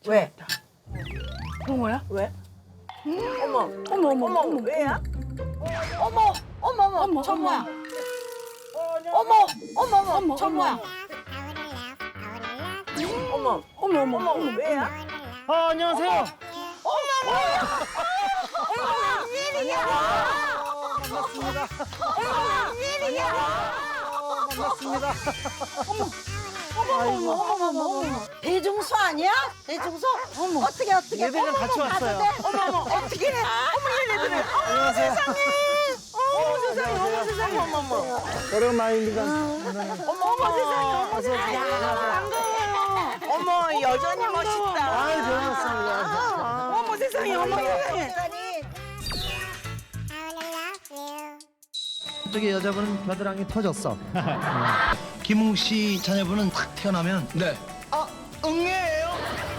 왜? 그런 거야? 왜? 어머, 어머 어머 어머, 어머 왜야? 어머, 어머, 어머, 어머, 저 어머. 뭐야? 어머, 어머, 어머, 어머, 저 어머. 뭐야? 어머, 어머 어머 어머, 어머 왜야? 안녕하세요. 반갑습니다. 반갑습니다. 아이고. 어머 대중소 아니야? 대중소? 어머. 어떻게? 얘들이랑 같이 왔어요. 어머, 어떻게? 어머, 얘네들은. 안녕하세요. 어머, 세상에, 어머. 오랜만입니다. 어머, 세상에, 어머. 어머, 여전히 멋있다. 아유, 좋았습니다. 어머, 세상에, 어머, 세상에. 저기 여자분은 겨드랑이 터졌어. 김웅 씨 자녀분은 탁 태어나면 네. 응애예요.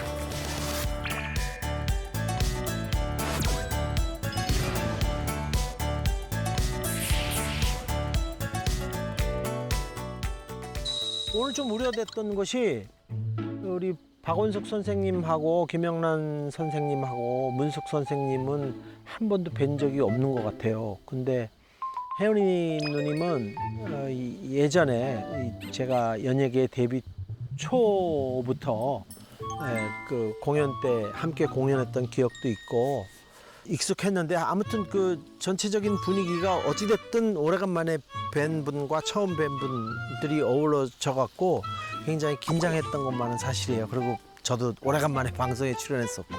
오늘 좀 우려됐던 것이 우리 박원숙 선생님하고 김영란 선생님하고 문숙 선생님은 한 번도 뵌 적이 없는 것 같아요. 근데 혜연이 누님은 예전에 제가 연예계 데뷔 초부터 그 공연 때 함께 공연했던 기억도 있고 익숙했는데 아무튼 그 전체적인 분위기가 어찌됐든 오래간만에 뵌 분과 처음 뵌 분들이 어우러져 갖고 굉장히 긴장했던 것만은 사실이에요. 그리고 저도 오래간만에 방송에 출연했었고.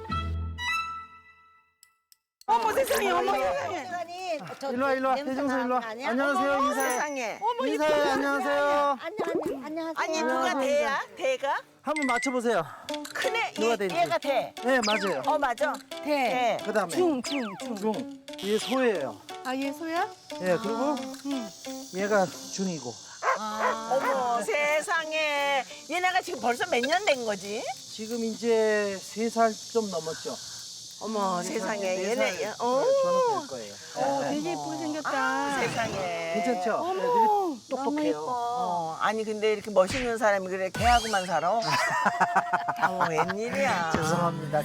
어머, 세상에, 어머, 세상에. 일로 와. 대중선 일로 와. 안녕하세요. 어머, 인사해. 세상에. 인사해. 안녕하세요. 안녕하세요. 아니, 누가 대야? 대가? 한번 맞춰보세요. 큰애, 누가 대인지. 얘가 대. 네, 맞아요. 맞아. 대. 대. 그다음에 중. 중. 얘 소예요. 아, 얘 소야? 예, 그리고 얘가 중이고. 어머, 세상에. 얘네가 지금 벌써 몇 년 된 거지? 지금 이제 3살 좀 넘었죠. 어머, 세상에. 얘네, 저는 될 거예요. 되게 예쁘게 생겼다. 세상에. 괜찮죠? 어머, 애들이 똑똑해요. 아니, 근데 이렇게 멋있는 사람이 그래, 걔하고만 살아? 어머, 웬일이야. 죄송합니다.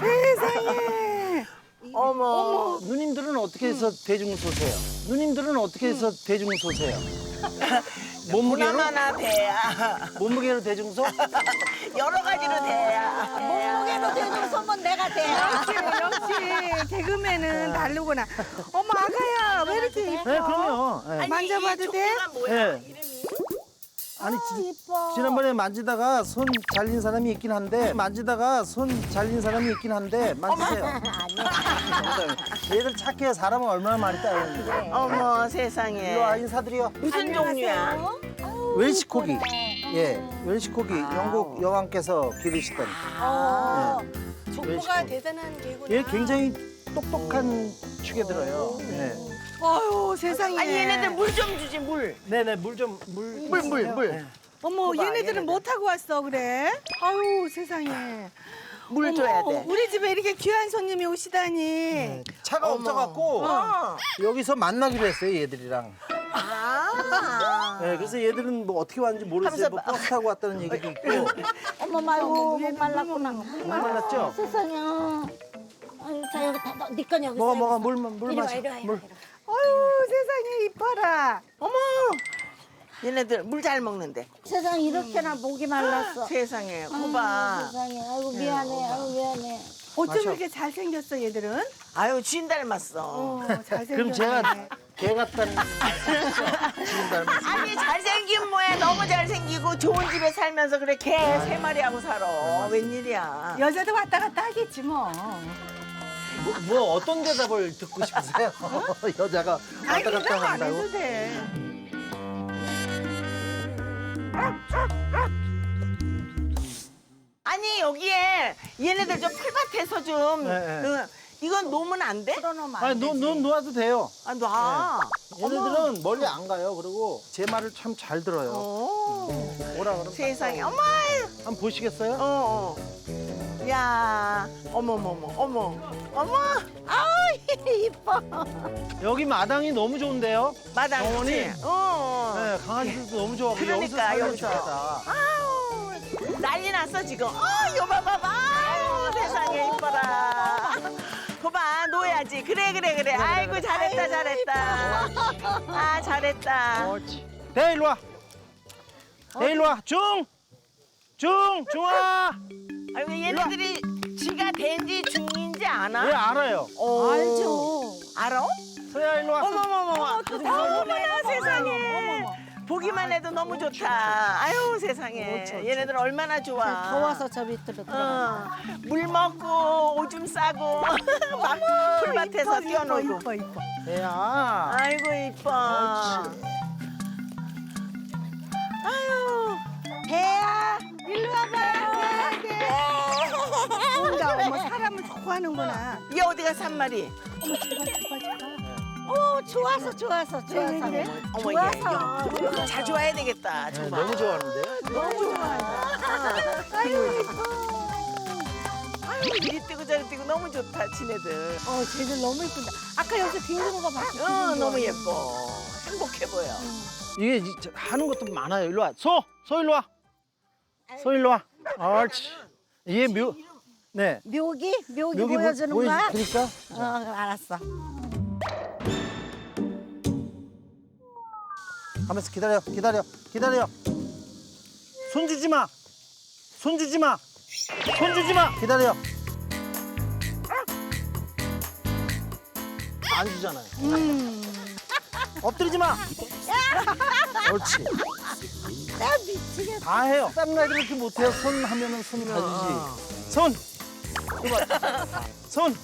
어머. 누님들은 어떻게 해서 대중소세요? 누님들은 어떻게 해서 대중소세요? 몸무게로? 보나마나 대야. 몸무게로 대중소? 여러 가지로 대야. 몸무게로 되는 소문 내가 돼. 역시 개그맨은 다르구나. 어머, 아가야, 왜 이렇게 예뻐? 네, 그럼요. 네. 만져봐도 이 돼? 종류가 뭐야? 네. 이름이? 아니, 이뻐. 지난번에 만지다가 손 잘린 사람이 있긴 한데, 만지세요. 얘들 착해. 사람은 얼마나 많이 따르는데. 어머, 세상에. 일로 와, 인사드려. 무슨 종류야? 웰시코기. 예, 웰시코기. 영국 여왕께서 기르시던. 족보가 대단한 개구나. 얘 굉장히 똑똑한 축에 들어요. 네. 아유, 세상에. 아니, 얘네들 물 좀 주지, 물. 네네, 물 좀, 물. 물. 어머, 봐봐, 얘네들은 얘네들. 뭐 타고 왔어, 그래? 아유, 세상에. 물 줘야 돼. 우리 집에 이렇게 귀한 손님이 오시다니. 네. 차가 없어갖고 여기서 만나기로 했어요, 얘들이랑. 네, 그래서 얘들은 뭐 어떻게 왔는지 모르겠어요. 뭐 버스 타고 왔다는 얘기도 있고. 어머 말고 못 말랐구나. 못 말랐죠? 세상에. 아유, 자 여기 다, 네 건 여기 있어. 먹어, 물 이리 와, 마셔. 이리 와, 이리 물. 와. 아유, 세상에 이뻐라. 어머. 얘네들 물 잘 먹는데. 세상 이렇게나 목이 말랐어. 세상에. 아유, 거봐. 세상에. 아이고 미안해. 아이고 미안해. 어쩜 마셔. 이렇게 잘생겼어, 얘들은? 아유, 주인 닮았어. 잘생겼네. 그럼 제가 개 같다는 지금 닮았어요. 아니, 잘생긴 뭐야. 너무 잘생기고 좋은 집에 살면서 그래. 개 3마리하고 살아. 웬일이야. 여자도 왔다 갔다 하겠지, 뭐. 뭐 어떤 대답을 듣고 싶으세요? 여자가 아니, 왔다 대답 갔다 안 한다고? 해도 돼. 아니, 여기에 얘네들 좀 풀밭에서 좀. 네, 네. 이건 놓으면 안 돼? 풀어놓으면 안 아니, 되지. 놓아도 돼요. 아, 놔. 얘네들은 멀리 안 가요. 그리고 제 말을 참 잘 들어요. 어. 뭐라 그러면 세상에. 어머. 한번 보시겠어요? 어. 야. 어머. 아우, 이뻐. 여기 마당이 너무 좋은데요? 마당. 어머니. 그치? 어. 네, 강아지들도 너무 좋아하고 그러니까, 여기서 살면 여기서. 좋겠다. 아우. 난리 났어, 지금. 요 봐봐. 아우. 옳지. 그래. 아이고, 잘했다. 아, 잘했다. 옳지. 대 일로 와. 대 일로 와. 중아. 아이고, 얘네들이 지가 된지 중인지 아나? 예 알아요. 알죠. 알아? 서야 일로 와. 어머나 세상에. 보기만 해도 너무 좋다. 아유 세상에. 얘네들 얼마나 좋아. 더워서 저 밑으로 들어가. 물 먹고 오줌 싸고 막 풀밭에서 뛰어놀고. 이뻐. 대야. 아이고 이뻐. 아유 배야 일로 와봐. 뭔가 어머 사람을 좋아하는구나. 얘 어디가 산말이? 좋아서. 그래? 어머 얘 자주 와야 되겠다. 네, 정말. 너무 좋아하는데. 너무 좋아한다. 아유 이리 뛰고 저리 뛰고 너무 좋다 지네들. 쟤들 너무 이쁜다. 아까 여기서 뒹구는 거 봤어. 너무 예뻐. 행복해 보여. 이게 하는 것도 많아요. 일로 와. 소 일로 와. 소 일로 와. 옳지. 이게 네. 묘기 묘기 보여주는 거야? 그러니까. 알았어. 가면서 기다려. 손 주지 마. 기다려. 안 주잖아요. 엎드리지 마. 옳지. 나 미치겠다. 다 해요. 다른 아이들 이렇게 못해요. 손 하면은 손 가지지. 손. 손.